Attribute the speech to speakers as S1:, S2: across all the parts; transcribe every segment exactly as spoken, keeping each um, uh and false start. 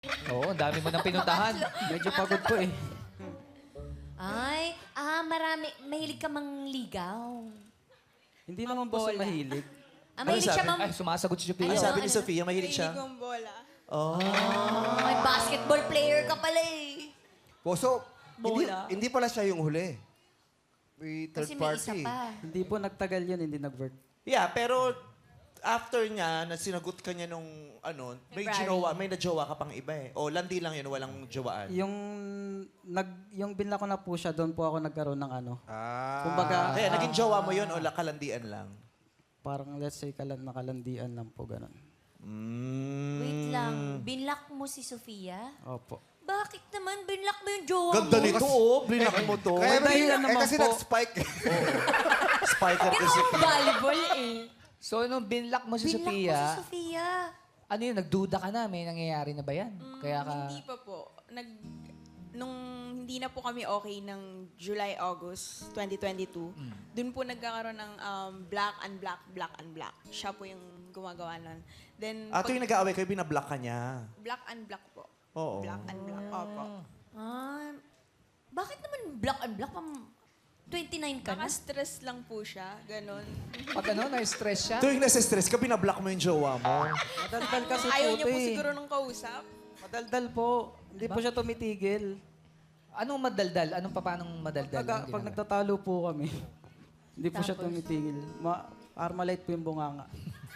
S1: Oo, ang dami mo nang pinuntahan.
S2: Medyo pagod po eh.
S3: Ay, ah, marami. Mahilig ka mang ligaw.
S2: Hindi naman po sa mahilig.
S3: Ah, mahilig siya mang...
S1: Ay, sumasagot si Sophia.
S4: Ano
S3: Ano,
S4: sabi ni
S3: ano?
S4: Sofia? Mahilig siya?
S5: Hindi kong bola.
S4: Oh.
S3: Ay, basketball player ka pala eh.
S6: Puso, hindi,
S3: Bola.
S6: hindi pala siya yung huli. May third
S3: Kasi may isa
S6: party.
S3: pa.
S2: Hindi po nagtagal yun, hindi nag-work.
S4: Yeah, pero after niya, na sinagot ka niya nung ano, may
S3: February.
S4: ginawa, may najowa ka pang iba eh. O landi lang yun, walang jowaan.
S2: Yung nag yung binla ko na po siya, doon po ako nagkaroon ng ano.
S6: Ah.
S2: Kumbaga,
S4: Kaya naging jowa mo yun o la- kalandian lang?
S2: parang let's say kalan nakalandian lang po ganun.
S4: Mm.
S3: Wait lang, binlock mo si Sofia?
S2: Opo.
S3: Bakit naman binlock mo yung jowa
S4: Ganda
S3: mo?
S4: nito oh, blinak mo to.
S6: Kaya
S2: May dahilan
S6: eh,
S2: naman
S6: kasi
S2: po.
S6: nag-spike.
S4: Spike up
S3: Pero volleyball eh.
S1: So, nung binlock mo si
S3: Binlock mo
S1: Sophia,
S3: si Sofia.
S1: ano yun, nagduda ka na, may nangyayari na ba yan? Kaya ka...
S5: Hindi pa po. Nag, nung hindi na po kami okay ng July, August twenty twenty-two, dun po nagkakaroon ng um, black and black, black and black. Siya po yung gumagawa nun. Then,
S4: Ah,
S5: pag-
S4: tuwing nag-aaway kayo, binablock ka niya.
S5: black and black po.
S4: Oo.
S5: Black and black. Opo.
S3: Ah, bakit naman black and black? Pam twenty-nine ka na?
S5: Naka-stress lang po siya. Ganon.
S1: Pag ano, na-stress siya?
S4: Tuwing nasa-stress ka, binablock mo yung jowa mo.
S2: Madaldal kasi
S5: Ayaw
S2: po
S5: niya
S2: ito
S5: po
S2: eh.
S5: siguro nung kausap.
S2: Madaldal po. Hindi po siya tumitigil.
S1: Anong madaldal? Anong pa paanong madaldal?
S2: Pag,
S1: Anong
S2: pag
S1: ginagawa?
S2: nagtatalo po kami, hindi po siya
S3: Tapos?
S2: tumitigil. Ma Armalite po yung bunganga.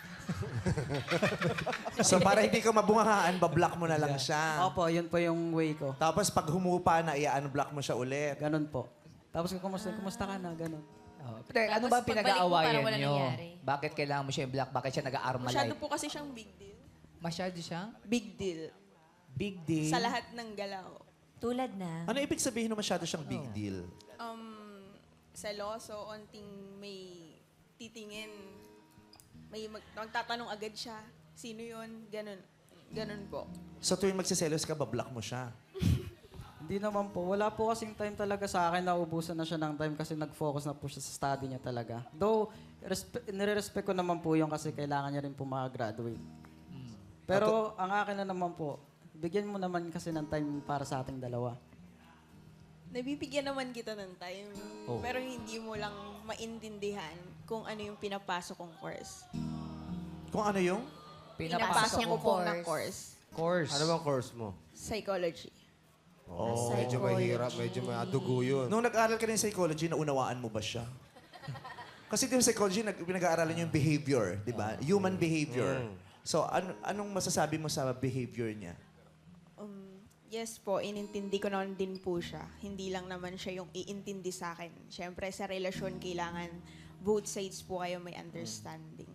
S4: So para hindi ka mabungahaan, bablock mo na lang siya.
S2: Opo, yun po yung way ko.
S4: Tapos pag humupa na, i-unblock mo siya ulit.
S2: Ganun po. Tapos kumusta, kumusta ka na, ganun.
S1: Oh. Pero ano
S3: Tapos
S1: ba
S3: pagbalik mo,
S1: pinag-aawayan
S3: parang wala
S1: nyo?
S3: nangyari.
S1: Bakit kailangan mo siya i-block? Bakit siya
S5: Masyado
S1: nag-aarmalite?
S5: po kasi siyang big deal.
S1: Masyado siyang
S5: Big deal.
S1: big deal.
S5: Sa lahat ng galaw.
S3: Tulad na.
S4: Ano ibig sabihin na masyado siyang big deal?
S5: Um, seloso, onting may titingin. May mag- magtatanong agad siya. Sino yun? Ganon. Ganon po.
S4: So tuwing magsiselos ka, bablock mo siya.
S2: Hindi naman po. Wala po kasing time talaga sa akin. Naubusan na siya ng time kasi nag-focus na po siya sa study niya talaga. Though, respe- nire-respect ko naman po yung kasi kailangan niya rin po makagraduate. Pero ang akin na naman po, bigyan mo naman kasi ng time para sa ating dalawa.
S5: Nabibigyan naman kita ng time.
S4: Oh.
S5: Pero hindi mo lang maintindihan kung ano yung pinapasok kong course.
S4: Kung ano yung?
S5: Pinapasok ko
S3: mong
S5: po na
S3: course.
S5: course.
S1: Course.
S6: Ano bang course mo?
S5: Psychology.
S6: Oh,
S3: Ah,
S6: medyo mahirap, medyo may adugo yun.
S4: Nung nag-aaral ka ng psychology, naunawaan mo ba siya? Kasi di ba psychology, nag- pinag-aaralan niyo yung behavior, di ba? Human behavior. So, an- anong masasabi mo sa behavior niya?
S5: Um, yes po, inintindi ko naman din po siya. Hindi lang naman siya yung iintindi sa akin. Siyempre, sa relasyon, kailangan both sides po kayo may understanding.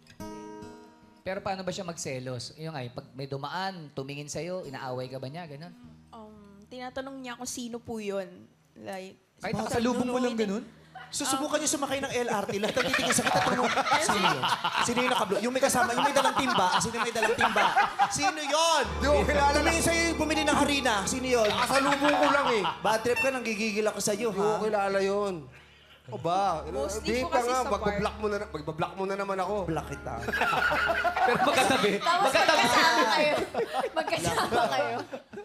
S1: Pero paano ba siya magselos? Yung ay, pag may dumaan, tumingin sa'yo, inaaway ka ba niya? Ganon.
S5: Um, tinatanong niya kung sino po yun. Like,
S1: Kahit nakasalubong mo lang ganon?
S4: Susubukan niyo sumakay ng L R T, lahat ng titingin sa kita, tanong, sino yun? Sino yung nakablo? Yung may kasama, yung may dalang timba, sino yung may dalang timba? Sino yun?
S6: Di ko kilala na.
S4: Tumingin sa'yo yung bumili ng harina, sino yun?
S6: Kasalubong ko lang eh.
S4: Bad trip ka, nang gigigil ako sa'yo,
S6: Di ko
S4: ha?
S6: kilala yun. O ba?
S5: Mostly
S6: Di
S5: po
S6: pa
S5: kasi
S6: nga,
S5: sa
S6: magbablock mo na, magbablock mo na naman ako.
S4: Block kita.
S1: Pero magkatabi.
S3: Tapos magkasama kayo. Magkasama kayo.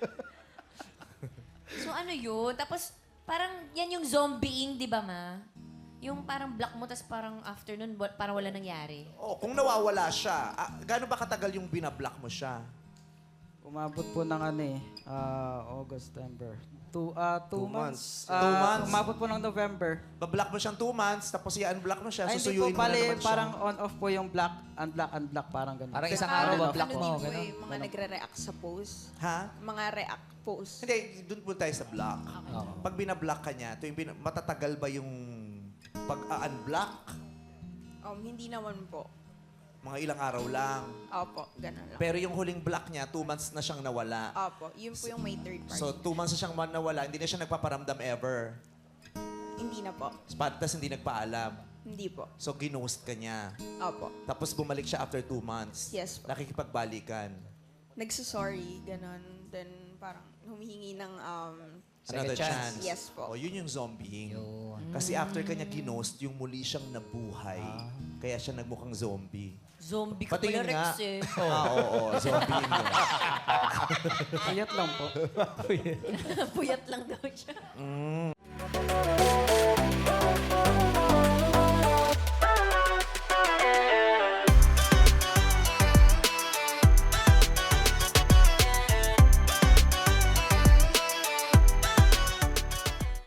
S3: So ano yun? Tapos parang yan yung zombieing, di ba ma? Yung parang block mo, tapos parang afternoon, parang wala nangyari.
S4: Oh, kung nawawala siya, ah, gaano ba katagal yung binablock mo siya?
S2: Umabot po ng ano eh, ah, August, September. Two, ah, two,
S6: Two
S2: months.
S6: months.
S2: Ah,
S4: Two months.
S2: Umabot po ng November.
S4: Bablock mo siyang two months, tapos i-unblock mo siya,
S2: Ay, hindi po,
S4: susuyuin mo na
S2: pali,
S4: naman siya.
S2: parang on-off po yung black, unblock, unblock, parang ganun.
S1: Parang isang
S5: Ah,
S1: araw
S5: ano
S1: ba block
S5: din
S1: mo?
S5: po
S1: Ganon.
S5: eh, mga nagre-react sa post.
S4: Ha?
S5: Mga react post.
S4: Hindi, doon po tayo sa block. Pag binablock ka niya, tuwing bin- matatagal ba yung pag-unblock?
S5: Um, hindi naman po.
S4: Mga ilang araw lang.
S5: Opo, ganun lang.
S4: Pero yung huling block niya, two months na siyang nawala.
S5: Opo, yun po yung may third party.
S4: So, two months na siyang man- nawala, hindi na siya nagpaparamdam ever.
S5: hindi na po.
S4: Tapos hindi nagpaalam.
S5: Hindi po.
S4: So, ginost ka niya.
S5: Opo.
S4: Tapos bumalik siya after two months.
S5: Yes po.
S4: Nakikipagbalikan.
S5: nagsasorry, ganon. Then parang humihingi ng um,
S4: Another
S1: Second chance.
S4: chance.
S5: Yes po.
S4: O, yun yung zombieing.
S1: Yun.
S4: Kasi after kanya ginost, yung muli siyang nabuhay. Kaya siya nagmukhang zombie.
S3: Zombie ka
S4: Patingin
S3: pala,
S4: nga.
S3: Rex eh.
S4: Ah, oo, oo. Zombieing yun.
S2: Payat lang po.
S3: Puyat lang daw siya.